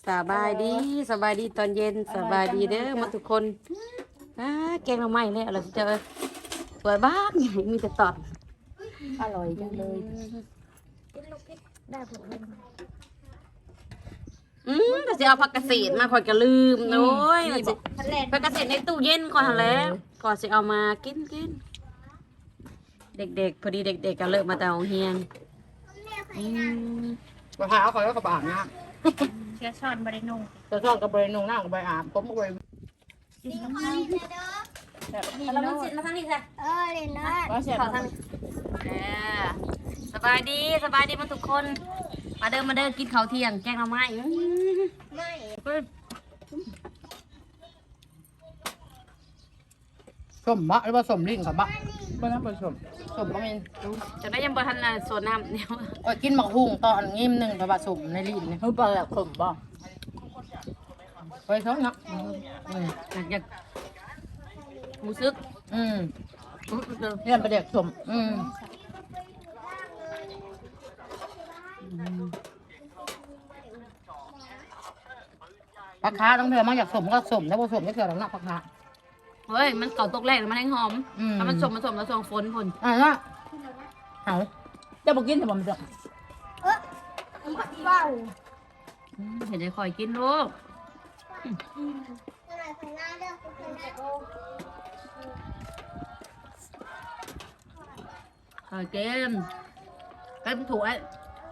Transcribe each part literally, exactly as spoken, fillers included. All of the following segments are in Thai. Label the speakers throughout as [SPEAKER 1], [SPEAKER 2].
[SPEAKER 1] สบายดีสบายดีตอนเย็นสบายดีเด้อมาทุกคนอ่าแกงเราใหม่เลยเราจะสวยบ้านมีแต่ตอน
[SPEAKER 2] อร่อยจังเลย
[SPEAKER 1] อืมก็จะเอาผักเกษตรมาคอยกระลืมโอ้ยมันสิผักเกษตรในตู้เย็นก่อนหั่นแหล้วก่อนจะเอามากินกินเด็กๆพอดีเด็กๆก็เลิกมาแต่โรงเรียนอืม
[SPEAKER 3] กระเพราเขาแล้วก็บอาบน้
[SPEAKER 2] เชื้อช้อนบริโนง
[SPEAKER 3] ำจะซ่อนกระเบยนุ่งหน้ากับใบอาบผมก็ไป
[SPEAKER 2] กินน้ำมันแบบนี้
[SPEAKER 1] เรา
[SPEAKER 2] โน
[SPEAKER 1] มา
[SPEAKER 2] ด
[SPEAKER 1] สิมาทางนี้ค่ะ
[SPEAKER 4] เออเล่นนะ
[SPEAKER 2] ว่าเสียบ
[SPEAKER 1] ขอทางนี้เออสบายดีสบายดีมาทุกคน มาเดินมาเดินกินข้าวเที่ยงแกงเราไหมอื้อ
[SPEAKER 4] ไม่
[SPEAKER 1] เฮ้ย
[SPEAKER 3] ส้มบะหรือว่าส้มลิ้นกับบะบ้านนั้นเป็นส้มส้มก็มี
[SPEAKER 1] จะได้ยังบ่ทันอ่ะสวนน้ำเนี่ย
[SPEAKER 3] โอ้ยกินหมักหุ่งตอนงิมหนึ่งแต่ว่าส้มในลิ้นเนี่ย
[SPEAKER 2] เฮ้ยปลาแบบขมบ่
[SPEAKER 3] ไปท้องเนาะอืม
[SPEAKER 1] อยากอยากรู้สึก
[SPEAKER 3] อืม
[SPEAKER 1] อื้อเดี๋ยว
[SPEAKER 3] เรียนประเด็กส้มอืมปลาคาต้องเถื่อมาอยากส้มก็ส้มแล้วพอส้มก็เถื่อหลังหน้าปลาคา
[SPEAKER 1] เฮ้ยมันเก่าตกแรกแล้วมันแห้งหอม
[SPEAKER 3] อืม
[SPEAKER 1] ถ้ามันสมมันสมแล้วส่งฝนฝน
[SPEAKER 3] อ่าละเอา
[SPEAKER 2] จะบอกกินแต่บ่มันจะ
[SPEAKER 4] เบ้า
[SPEAKER 1] อืมเห็นได้คอยกินลูก
[SPEAKER 4] อะไรไปหน้าเรื่องคุณจะโก
[SPEAKER 1] คอยกินเต็มถ้วย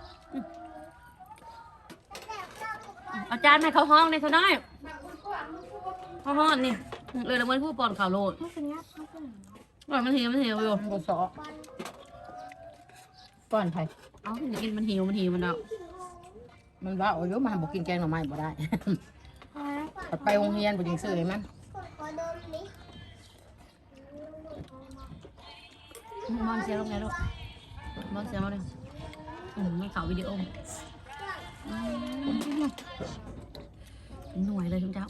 [SPEAKER 1] เอาจารย์ให้เขาห้องในเท่าน้อยเขาห้องนี่เลยละเมินผู้ปอนข่าวโลด
[SPEAKER 4] ไม่เป็นยักษ์ไม่เป็น
[SPEAKER 1] ว่ามันหิวมันหิวอยู่
[SPEAKER 3] บสอก้อนไผ่
[SPEAKER 1] เอาสิกินมันหิวมันหิวมันเอา
[SPEAKER 3] มันว่าโอ้ยมาบอกกินแกงหน่อไม้บ่ได้ ไปโรงเรียนบ่จริงซื้อเลยมัน
[SPEAKER 4] ขอโดนนี้
[SPEAKER 1] มองเสียงลงไงลูกมองเสียงลงเลยอืมมันข่าววิดีโออืมหน่วยเลยทุกเจ้า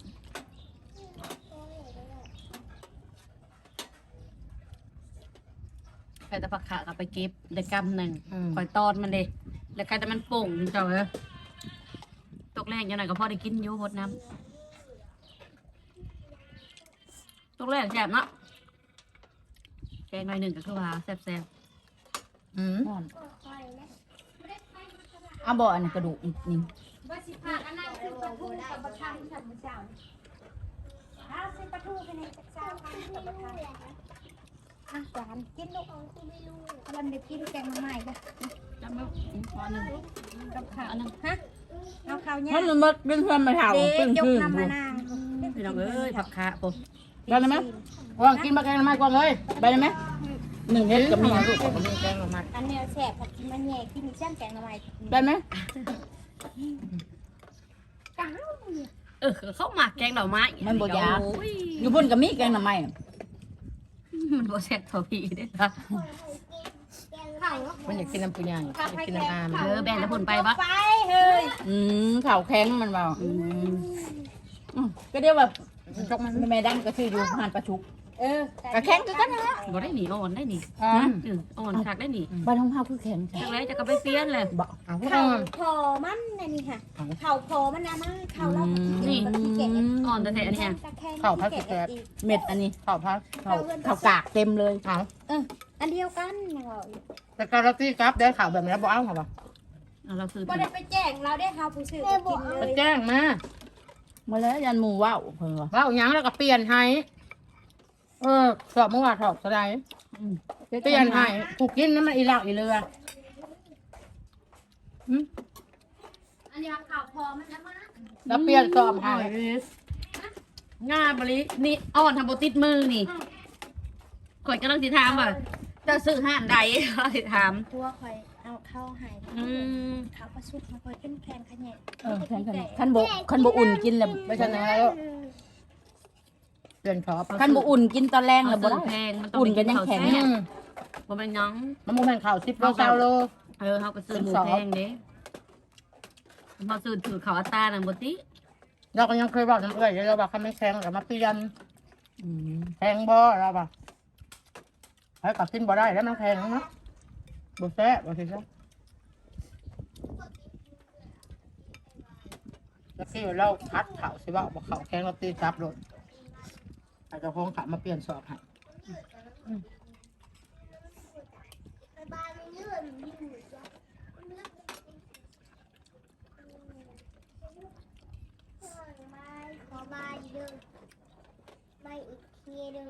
[SPEAKER 1] ใครจะผักขากับไปเก็บได้กำหนึ่ง
[SPEAKER 3] อืม
[SPEAKER 1] คอยตอนมันเลยแล้วใครจะมันโป่งเจ้าเอ้ยตกแรกยังไงก็พอได้กินอยู่หดน้ำตกแรกแซ่บเนาะแกงหน่อยหนึ่งก็คือว่าแซ่บ
[SPEAKER 3] อืม
[SPEAKER 2] อ่อนเอาบ่อันนี้กระดูกอีกนี่
[SPEAKER 4] ว่าสิพากันนั่งขึ้นประตูกับประทังสัมปทานอ้าวขึ้นประตูไปในจักรเจ้าสัมปทานอ่ะหวานกินลูกเอาคุณไม่รู้วันเด็กกินแกงมาใหม่จ้ะ
[SPEAKER 1] ๆจำไว้พอหนึ่ง
[SPEAKER 4] กับข้าว
[SPEAKER 1] อันหนึง
[SPEAKER 4] ฮะเอาข้าวเนี่ย
[SPEAKER 2] มันมันเป็นเพื่อนมาเท่า
[SPEAKER 4] เด็
[SPEAKER 2] เป็น
[SPEAKER 4] กยก
[SPEAKER 2] ชื่อ
[SPEAKER 4] น้ำมานาง
[SPEAKER 1] พี่น้องเอ้ยผักขาปุ๊บ
[SPEAKER 2] ได้ไหม
[SPEAKER 3] ว่ากินมาแกงหน่อไม้ก่อนเลย
[SPEAKER 2] ไปได้ไหมหนึ่งเฮ็ดกับมี
[SPEAKER 3] ลูกกับมีแกงหน่อไม้
[SPEAKER 4] อันเนี้ยแสบผัดกินมันแย่กินเส้นแกงมาใหม่
[SPEAKER 2] ได้ไหม
[SPEAKER 4] ก้าว
[SPEAKER 1] เออเข้าหมักแกงดอกไม้
[SPEAKER 2] มันบ่ยาก
[SPEAKER 1] โอ้ย
[SPEAKER 2] อยู่พุ่นกับมีแกงหน่อไม้
[SPEAKER 1] มันบ่แซ่บเท่าพี่เด้อค่ะ
[SPEAKER 4] ข้าว
[SPEAKER 3] มันอยากกินน้ำปุยางอยากกินน้ำอาม
[SPEAKER 1] เออแบ่งแล้วผลไปปะ
[SPEAKER 4] ไปเฮ้ย
[SPEAKER 2] อืมข่าวแข็งมันเบา
[SPEAKER 1] อืม
[SPEAKER 2] อืมก็เรียกว่าจกมันแม่ดังก็ชื่ออยู่หานประชุก
[SPEAKER 4] เออก
[SPEAKER 2] ระแข็งคือกันนะ
[SPEAKER 1] บ่ได้หนีอ่อนได้หนี
[SPEAKER 3] อ๋อ
[SPEAKER 1] อืออ่อนคักได้หนี
[SPEAKER 2] บ้านของเฮาคือแข็ง
[SPEAKER 1] จังไรจะก็ไปเปลี่ยนเลย
[SPEAKER 2] บ่
[SPEAKER 3] เอาพวก
[SPEAKER 4] เข่า
[SPEAKER 3] มัน
[SPEAKER 4] พอมันนี่ค่ะเข่าพอมันนะมาเข่าเรา
[SPEAKER 1] นี่
[SPEAKER 4] เก่ง
[SPEAKER 1] อ่อนแต่แท้อันนี้
[SPEAKER 3] ข้าวพัดกระแตบ
[SPEAKER 2] เม็ดอันนี้
[SPEAKER 3] ข้าวพัด
[SPEAKER 2] ข้าวข้าวกากเต็มเลย
[SPEAKER 3] เอา
[SPEAKER 4] เอออันเดียวกันเรา
[SPEAKER 3] แต่การัตี้ครับได้ข่าวแบบนี้บ่เอาเหรอวะ
[SPEAKER 1] เอาเราคือ
[SPEAKER 4] บ่ได้ไปแจ้งเราได้ข่าวผู้สื่อกินเล
[SPEAKER 3] ไป
[SPEAKER 4] ย
[SPEAKER 3] แจ้งมา
[SPEAKER 2] มาแล้วยันหมู่ว่าวเพิ่นว่า
[SPEAKER 3] ว่าเอาหยังแล้วก็เปลี่ยนให้เออสอบเมื่อวานสอบสไลด์
[SPEAKER 2] อืม
[SPEAKER 3] เปลี่ยนให้ผูกกินน้ำมันอีเหล่าอีเรืออืม
[SPEAKER 4] อันนี้ข่าวพอมันนะมา
[SPEAKER 3] แล้วเปลี่ยนสอบให้
[SPEAKER 1] งาบรินี่อ่อนทำโบติดมือนี่ข่อยกำลังสิถามว่าจะซื้อห้านใดสิถาม
[SPEAKER 4] ตัวคอยเอาเข้าหาย
[SPEAKER 1] อืม
[SPEAKER 4] ข้าวประสุกมาคอยขึ้นแคนขะแยะ
[SPEAKER 2] เออแข็งกันคันบ่คันบ่อุ่นกินแล้ว
[SPEAKER 3] ไม่ชนะแล้วเปลี่ยนสอบ
[SPEAKER 2] คันบ่อุ่นกินตอนแรงแล้วบ่
[SPEAKER 1] ซื้
[SPEAKER 2] ได้
[SPEAKER 1] อแพงมันต้อง
[SPEAKER 2] อุ่นกันยังแข็ง
[SPEAKER 3] อืม
[SPEAKER 1] บ่เป็นหยัง
[SPEAKER 3] มันโมเมนต์ข่าวสิบโลเก้าโล
[SPEAKER 1] เออเขาก็ซื้อหมูแพงเด้พอซื้อถือเขาอัตราหนังบติ
[SPEAKER 3] เราก็ยังเคยบอกน้ำเอื่อยเราบอกเขาไม่แข็งแต่มาเปลี่ยน
[SPEAKER 2] อืม
[SPEAKER 3] แข็งบ่เราบอกให้กลับกินบ่ได้แล้วมันแข็งเนาะบ่แซ่บบ่สิซะแล้วที่เราพัดเข่าสิว่าบอกเข่าแข้งเราตีจับรถอาจจะพ้องขามาเปลี่ยนสอบให้
[SPEAKER 4] ขอบายเดิมไปอีกทีหนึ่ง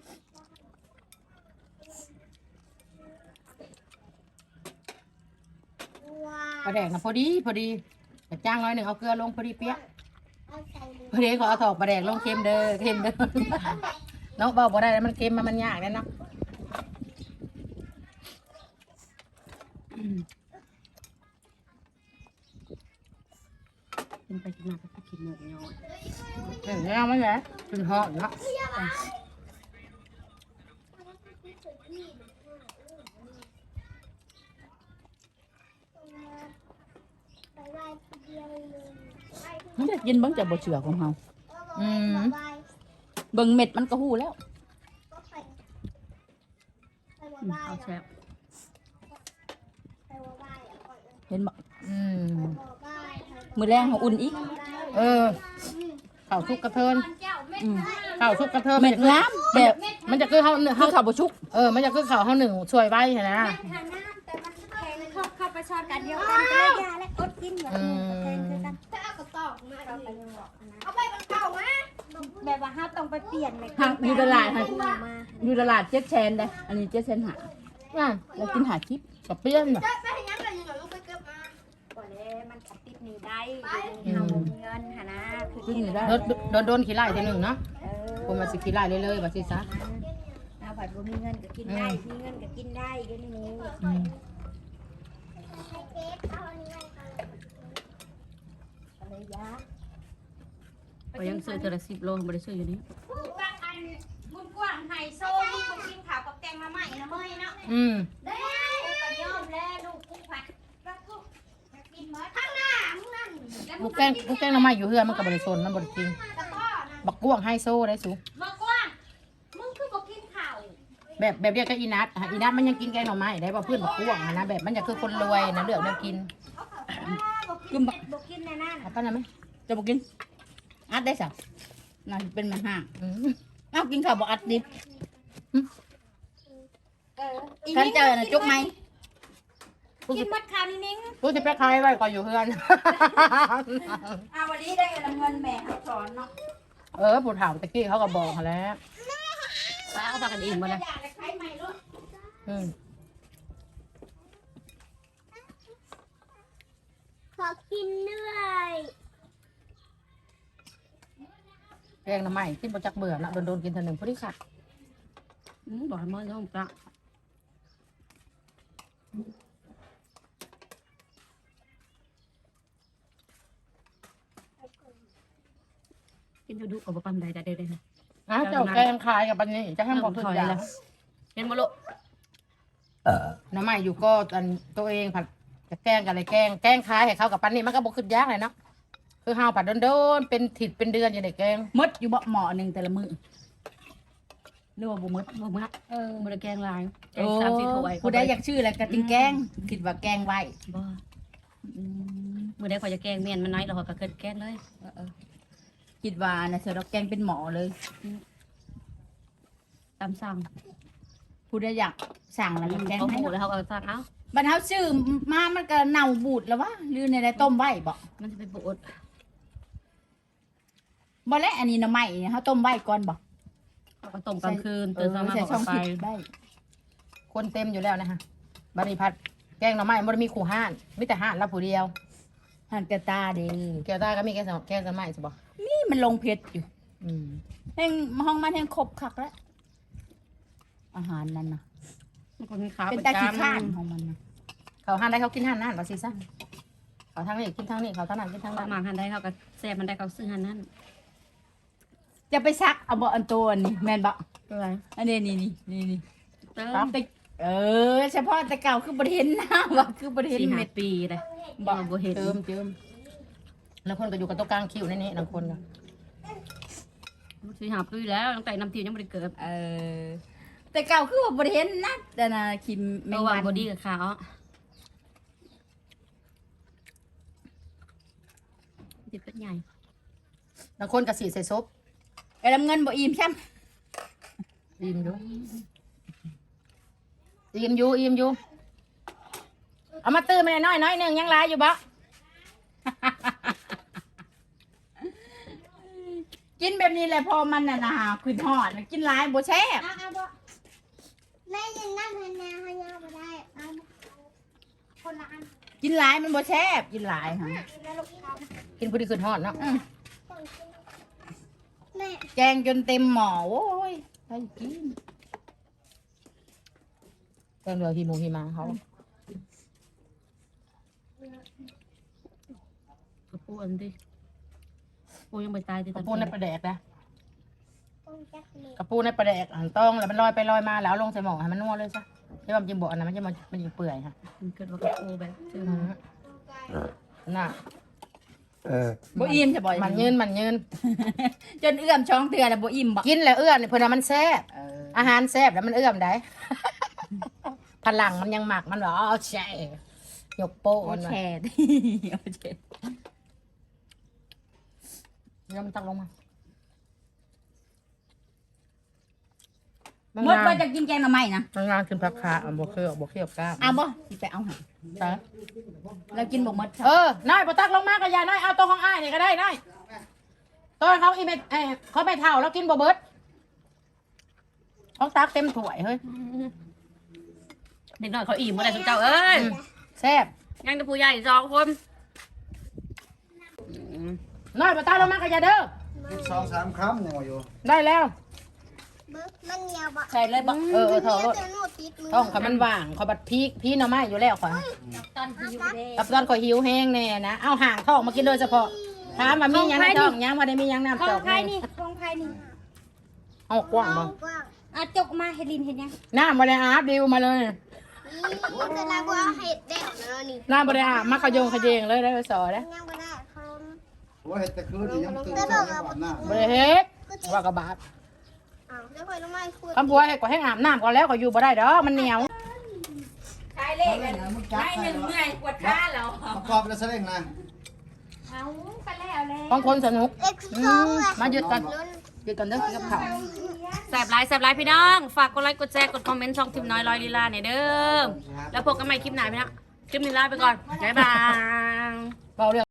[SPEAKER 3] ปลาแดกนะพอดีพอดีแต่จ้างน้อยหนึ่งเอาเกลือลงพอดีเปี้ย
[SPEAKER 4] เอาใส่เลย
[SPEAKER 3] พอดีขอเอาถอกปลาแดกลงเค็มเด้อเค็มเด้อเนาะเบาบ่ได้แล้วมันเค็มมันมันยากแน่เนาะ
[SPEAKER 1] กินไปกินมาก็กินหมดย้อน
[SPEAKER 3] เห็นแล้วมั้ยแหละขึ้นหอดเนาะ
[SPEAKER 4] ไปไหว้ทีเดียวเลย
[SPEAKER 2] มันจะกินเบิ่งจากบ่เชื่อของเฮา
[SPEAKER 3] อืม
[SPEAKER 4] ไป
[SPEAKER 2] เบิ่งเม็ดมันก็ฮู้แล้ว
[SPEAKER 4] ก็ไปไปไหว้
[SPEAKER 1] อืมเอาแซ่บ
[SPEAKER 4] ไปไหว้อ่ะก่อนเลย
[SPEAKER 2] เห็นบ่
[SPEAKER 3] อืม
[SPEAKER 4] ไหว้
[SPEAKER 2] มื้อแรงเฮาอุ่นอีก
[SPEAKER 3] เออข้าวทุกกระเทิน
[SPEAKER 2] อืม
[SPEAKER 3] ข้าวทุกกระเทิน
[SPEAKER 2] เม็ดงามแบบ
[SPEAKER 3] มันจะคือเขาหนึ่ง
[SPEAKER 2] คือ
[SPEAKER 3] เขา
[SPEAKER 2] ข้าวบ่ชุก
[SPEAKER 3] เออมันจะคือเขาเขาหนึ่งช่วยไว้เห็นไหม
[SPEAKER 4] หาน้ำแต่มันแพงเข้าเข้าไปชอนกันเดียวกันก็เลยยาและอดกินแบบนี้แพงคือกันถ้าเอากระตอกมาเอาไปยังบอกนะเอาไปมันเก่ามาแบบว่าห้าต้องไปเปลี่ยนเลย
[SPEAKER 2] หาอยู่ตลาดหา
[SPEAKER 4] มา
[SPEAKER 2] อยู่ตลาดเจ็ดแชนได้อันนี้เจ็ดแชนหา
[SPEAKER 3] อ่ะ
[SPEAKER 2] แล้วกินหาคลิป
[SPEAKER 3] กับเปี้ยนแบบ
[SPEAKER 4] ไปยังไงยังลูกไปเก็บมาก่อนเลยมันขัดติดหนีได้เอาเงินหานะคือ
[SPEAKER 2] กินอยู่ได้
[SPEAKER 3] โดนโดนโดนขี้ไล่ทีหนึ่งเนาะ
[SPEAKER 4] เออ
[SPEAKER 3] คนมาสิขี้ไล่เลยๆว่าสิซะ
[SPEAKER 4] เอาผัดบ่มีเงินก็กินได้มีเงินก็กินได้เดี๋ยวนี้
[SPEAKER 3] อืม
[SPEAKER 4] อะไรยะ
[SPEAKER 1] ก็ยังซื้อเทอละสิบโลบ่ได้ซื้ออยู่นี่
[SPEAKER 4] ว่าอันบุญกว้างไฮโซมึงบ่กินข้าวกับแกงมาใหม่นะเฮ้ยเนาะ
[SPEAKER 3] อืม
[SPEAKER 4] ได้กูก็ยอมแล้วลูกกูผัดแล้วกูจะกินหมดข้างหน้ามึงนั่น
[SPEAKER 3] บุกแกงบุกแกงน้ำไม้อยู่เฮือนมันกับบริโซนมันบริจริง
[SPEAKER 4] ตะก้อนะ
[SPEAKER 3] บักกวางไฮโซได้สู
[SPEAKER 4] บอกกว้างมึงคือบ่กินข้าว
[SPEAKER 3] แบบแบบเดียวกับอีนัทอ่ะอีนัทมันยังกินแกงหน่อไม้ได้บ่เพื่อนบักกวางอะนะแบบมันจะคือคนรวยนะเลือกแนวกิน
[SPEAKER 4] เอาข้าวบ่กินบ่กินแน่นั่น
[SPEAKER 3] เอาปั้นได้ไหม
[SPEAKER 2] จะบ่กินอัดได้สักน่าสิเป็นมันห่าง
[SPEAKER 3] อืม
[SPEAKER 2] เอ้ากินข้าวบ่อัดดิบ
[SPEAKER 4] เออ
[SPEAKER 2] คันเจอน่ะจุกไหม
[SPEAKER 4] กินหมดข้าวนี่นิ้ง
[SPEAKER 3] กูจะไปขายไว้ก่อนอยู่เฮือน
[SPEAKER 2] อ่าวันนี้ได้เงินแม่สอนเนาะ
[SPEAKER 3] เออผู้ถามตะกี้เขาก็บอกเขาแล้ว
[SPEAKER 1] ป้าเอาพากันอิ่มบ่ล่ะ
[SPEAKER 4] อยากจะใช้ใหม่ลูก
[SPEAKER 3] อืม
[SPEAKER 4] ขอกินด้วย
[SPEAKER 3] แกงหน่อไม้กินบ่จักเบื่อนะโดนโดนๆกินเท่านึงพอดีค่ะ
[SPEAKER 1] อืมบอกให้มื้อนี้ผมปลากินดุๆก็บ่ปานใดได้ๆนะ
[SPEAKER 3] อ้าวเจ้าแกงขายกับปันนี้จะให้บอกทุกอย่าง
[SPEAKER 1] เห็นบ่ลูก
[SPEAKER 3] หน่อไม้อยู่ก็อันตัวเองผัดจะแกงกับอะไรแกงแกงขายให้เขากับปันนี้มันก็บ่ขึ้นยากเลยเนาะคือเฮาผัดโดนๆเป็นถิดเป็นเดือนอยู่ในแกง
[SPEAKER 2] มดอยู่บ่หม้อหนึงแต่ละมื้อหรือว่าบ่มด
[SPEAKER 1] บ่มัก
[SPEAKER 2] เออ
[SPEAKER 1] บ่ได้แกงหลายแก
[SPEAKER 2] โอ้
[SPEAKER 1] งสามสี่ถ้วย
[SPEAKER 2] ผู้ใดอยากชื่ออะไรก็ติงแกงคิดว่าแกงไว้
[SPEAKER 1] บ่
[SPEAKER 2] อืม
[SPEAKER 1] มื้อใดข่อยจะแกงเมียนมันน้อยแล้วข่อยก็เกิดแกงเลย
[SPEAKER 2] เออเออคิดว่าน่ะเสือดอกแกงเป็นหมอเลย
[SPEAKER 1] ตามสั่ง
[SPEAKER 2] ผู้ใดอยากสั่งแล้วก็แกง
[SPEAKER 1] เขา
[SPEAKER 2] ให้
[SPEAKER 1] หมูแล้วเขาก็สั่งเอ้า
[SPEAKER 2] บัดเฮาซื้อมามันก็เน่าบูดแล้ววะหรือในใดต้มไว้บ่
[SPEAKER 1] มันจะไปโบด
[SPEAKER 2] บ่แล้วอันนี้หน่อไม้เฮาต้มไว้ก่อนบ่
[SPEAKER 1] เขาก็ต้มกลางคืนตื่นเช้ามา
[SPEAKER 2] ใส่
[SPEAKER 1] เขา
[SPEAKER 2] ช่
[SPEAKER 1] ก็
[SPEAKER 2] อง
[SPEAKER 1] ไป
[SPEAKER 2] ผิดได้
[SPEAKER 3] คนเต็มอยู่แล้วนะฮะบริพัดแกงหน่อไม้มันมีขู่ห้านมีแต่ห้านรับผู้เดียว
[SPEAKER 2] หันกระตาเด้
[SPEAKER 3] แก้วตาก็มีแกงสองแกงหน่อไม้ใช่ปะ
[SPEAKER 2] นี่มันลงเพชรอยู่
[SPEAKER 3] อืม
[SPEAKER 2] แห่งห้องมันแห่งครบคักแล้วอาหารนั่นน่ะ
[SPEAKER 1] มันก็มีขา
[SPEAKER 2] เป็น
[SPEAKER 1] ประ
[SPEAKER 2] ตาขี้
[SPEAKER 1] จำ
[SPEAKER 2] ข้านของมันน่ะ
[SPEAKER 3] เขาห้านได้เขากินห้านนั่นว่าสิซะเขาทางนี้กินทางนี้เขาทางนั้นกินทาง
[SPEAKER 1] เขา
[SPEAKER 3] นั้น
[SPEAKER 1] มาหันได้เขาก็แซ่บมันได้เขาซื้อหันนั่น
[SPEAKER 2] จะไปซักเอาบ่อันตัวนี้แม่นบ่
[SPEAKER 1] อะไร
[SPEAKER 2] อันนี้นี่นี่นี่นี่
[SPEAKER 1] เติ
[SPEAKER 2] ครับ
[SPEAKER 1] ม
[SPEAKER 2] แต่เออเฉพาะแต่เก่าคือบ่ได้เห็นหน้าว่าคือบ่ได้เห็น
[SPEAKER 1] สี่ห้า
[SPEAKER 2] เม็ด
[SPEAKER 1] ปีเลย
[SPEAKER 2] บ่
[SPEAKER 1] บ่เห็น
[SPEAKER 3] เติมเติมแล้วคนก็อยู่กับตัวกลางคิวนี่นี่บางคนก็
[SPEAKER 1] สี่ห้าปีแล้วตั้งแต่น้ำตียังไม่ได้เกิด
[SPEAKER 2] เออแต่เก่าคือว่าบ่ได้เห็นนะแต่น่ะคิมแม
[SPEAKER 1] เมื่
[SPEAKER 2] ง
[SPEAKER 1] อวา
[SPEAKER 2] วัน น
[SPEAKER 1] บอดี้กับขาวจิตเป็นใหญ่
[SPEAKER 3] บางคนก็สีใส่ซุป
[SPEAKER 2] ไอ้ลำเงินบ่อิ่มใช่ไหม
[SPEAKER 3] อิ่มอยู่อิ่มอยู่อิ่มอยู่เอามาตื้อมาหน่อยน้อยหนึ่งยังหลายอยู่บ่
[SPEAKER 2] กินแบบนี้แหละพอมันน่ะนะขึ้นหอดกินหลายบ่แซ่บ
[SPEAKER 4] เอาเอาบ่แม่ยังนั่งพันนาพันนาบ่ได้เอาคนละอัน
[SPEAKER 2] กินหลายมันบ่แซ่บกินหลายฮะ
[SPEAKER 4] แล้วลูกค้า
[SPEAKER 3] กินพอดีขึ้นฮอดเนาะ
[SPEAKER 2] อืม
[SPEAKER 4] แม่
[SPEAKER 2] แกงจนเต็มหม้อโอ้ยใครกิน
[SPEAKER 3] แกงเรือฮีมูฮีมาเขา
[SPEAKER 1] กระปูอันดิปูยังไม่ตายดิ
[SPEAKER 3] กระปูในประแดกนะ
[SPEAKER 4] ต้องจักเลย
[SPEAKER 3] กระปูในประแดกอันต้องแล้วมันลอยไปลอยมาแล้วเอาลงใส่หม้อให้มันนัวเลยซะใช่ป่ะจิมบอกอันนั้นมันจะมันมันจะเปื่อยค่ะ
[SPEAKER 1] มันเกิดว่ากระปูแบบเจอ
[SPEAKER 3] อืมน่ะ
[SPEAKER 5] เออ
[SPEAKER 2] บ่อิ่มจะบ่อย
[SPEAKER 3] มันยืนมันยืน
[SPEAKER 2] จนเอื้อมช่องเตือแล้วบ่อิ่มบ่
[SPEAKER 3] กินแล้วเอื้อมนี่เพิ่นว่ามันแซ่บ
[SPEAKER 2] เออ
[SPEAKER 3] อาหารแซ่บแล้วมันเอื้อมได้ พลังมันยังหมักมันบอกเอาแช่ยกโป้
[SPEAKER 2] โอ้
[SPEAKER 3] มัน
[SPEAKER 2] แชร์ดิโอ้แชร์
[SPEAKER 3] แล้วมันตักลงมา
[SPEAKER 2] หมดว่าจะกินแกงหน่อไม้นะ
[SPEAKER 3] มันงานขึ้นพักขาเอาบวเคี่ยวบวเคี่ยวกล้าม
[SPEAKER 2] เอาบ่สิไปเอาหา
[SPEAKER 3] ใช่
[SPEAKER 2] แล้วกินบ่หมด
[SPEAKER 3] เออน้อยพอตักลงมากระยาน้อยเอาตัวของอ้ายนี่ก็ได้น้อยตัวเขาอีเมเอ้ยเขาไม่เท่าแล้วกินบ่เบิดเขาตักเต็มถ้วยเฮ้ย
[SPEAKER 1] เด็กน้อยเขาอิ่มเมื่อไรสุดเจ้าเอ้ย
[SPEAKER 3] แซ่บ
[SPEAKER 1] ยังจะผู้ใหญ่สองคนอืม
[SPEAKER 3] น้อยพอตักลงมากระยาเด้อ
[SPEAKER 5] อีกสองสามคำยังว่าอยู่
[SPEAKER 3] ได้แล้ว
[SPEAKER 4] เบิกมันเหนียวบ่
[SPEAKER 2] ใส่เลยบ่
[SPEAKER 3] เออเออเท่ารถ
[SPEAKER 4] เดี๋ยวหนูติดมือ
[SPEAKER 3] ท้องเขามันว่างเขาบัดพีกพี่หน่อไม้อยู่แล้วข่อย
[SPEAKER 4] ตอนหิวเด้
[SPEAKER 3] กับตอนข่อยหิวแห้งแน่นะเอาห่างท้องมากินโดยเฉพาะถามว่ามีหยังในท้องยังว่าได้มีหยังน้ำ
[SPEAKER 4] ขอ
[SPEAKER 3] จอง ก
[SPEAKER 4] ไผ่
[SPEAKER 3] นี่
[SPEAKER 4] นี่ของไผ่นี่
[SPEAKER 3] เอากว้างบ่
[SPEAKER 4] กว้างอ่ะจกมาเฮลินเห็นยัง
[SPEAKER 3] น้ำบ่ได้อาบดิวมาเลย
[SPEAKER 4] นี่คือลาบัวเห็ดเด็ดเนาะนี่
[SPEAKER 3] น้ำบ่ได้อาบมาขยงขยงเลยได้ไปสอนะ
[SPEAKER 4] ยังบ่ได้เขา
[SPEAKER 5] ว่าเห็ดแต่คืนนี่ยังตื่น
[SPEAKER 4] แต่
[SPEAKER 5] เช้า
[SPEAKER 4] บอก
[SPEAKER 5] ใน
[SPEAKER 4] ว่า
[SPEAKER 5] บ้านหน้า
[SPEAKER 3] บ่ได้เฮ็ดว่ากระบาด
[SPEAKER 4] อ้าวแล้วค่อยลงมาคุย
[SPEAKER 3] คำบัวให้ก็ให้อาบน้ำก่อนแล้วก็อยู่บ่ได้ดอกมันเหนียว
[SPEAKER 2] ใช่เลขกันได้หนึ่งเมื่อยปวดขาแล้ว
[SPEAKER 5] ประกอบแล้วเสร็จนะ
[SPEAKER 4] เอาไปแล้วแล้ว
[SPEAKER 3] บางคนสนุก
[SPEAKER 4] เอ็กซ์
[SPEAKER 3] อื
[SPEAKER 4] สอง
[SPEAKER 3] ม
[SPEAKER 4] เลย
[SPEAKER 3] มาหยุดกันหยุดกันเด้อกินกับข้าว
[SPEAKER 1] แสบไลน์แสบไลน์พี่น้อง ฝากกดไลค์กดแชร์กดคอมเมนต์ช่องทิมน้อยลอยลีลาเนี่ยเด้อแล้วพบกันใหม่คลิปไหนพี่นะคลิปนี้ลาไปก่อนบ๊ายบาย
[SPEAKER 3] เบาเรื่อง